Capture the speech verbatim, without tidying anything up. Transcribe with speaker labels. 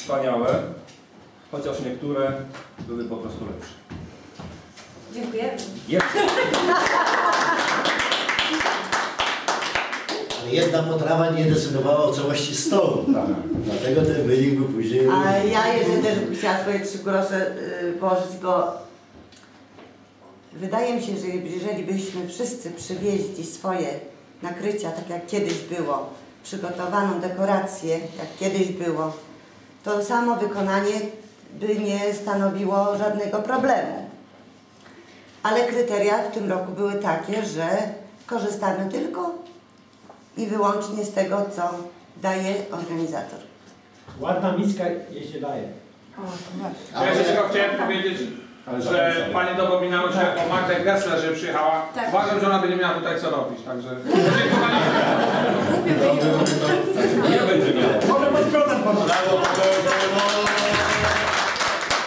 Speaker 1: wspaniałe, chociaż niektóre były po prostu lepsze.
Speaker 2: Dziękuję.
Speaker 1: Jeszcze.
Speaker 3: Ale jedna potrawa nie decydowała o całości stołu.
Speaker 1: Tak.
Speaker 3: Dlatego ten wynik był później...
Speaker 4: A ja jeszcze też bym chciała swoje trzy grosze y, położyć, bo wydaje mi się, że jeżeli byśmy wszyscy przywieźli swoje nakrycia, tak jak kiedyś było, przygotowaną dekorację, jak kiedyś było, to samo wykonanie by nie stanowiło żadnego problemu. Ale kryteria w tym roku były takie, że korzystamy tylko i wyłącznie z tego, co daje organizator.
Speaker 5: Ładna miska jej się daje.
Speaker 2: O, to właśnie.
Speaker 6: Ja jeszcze tylko chciałem powiedzieć, że pani dopominało się o Magdę Gessler, że przyjechała.
Speaker 2: Tak.
Speaker 6: Uważam, że ona będzie miała tutaj co robić, także
Speaker 1: Nie będzie miał.
Speaker 5: Może pod prądem pomóc.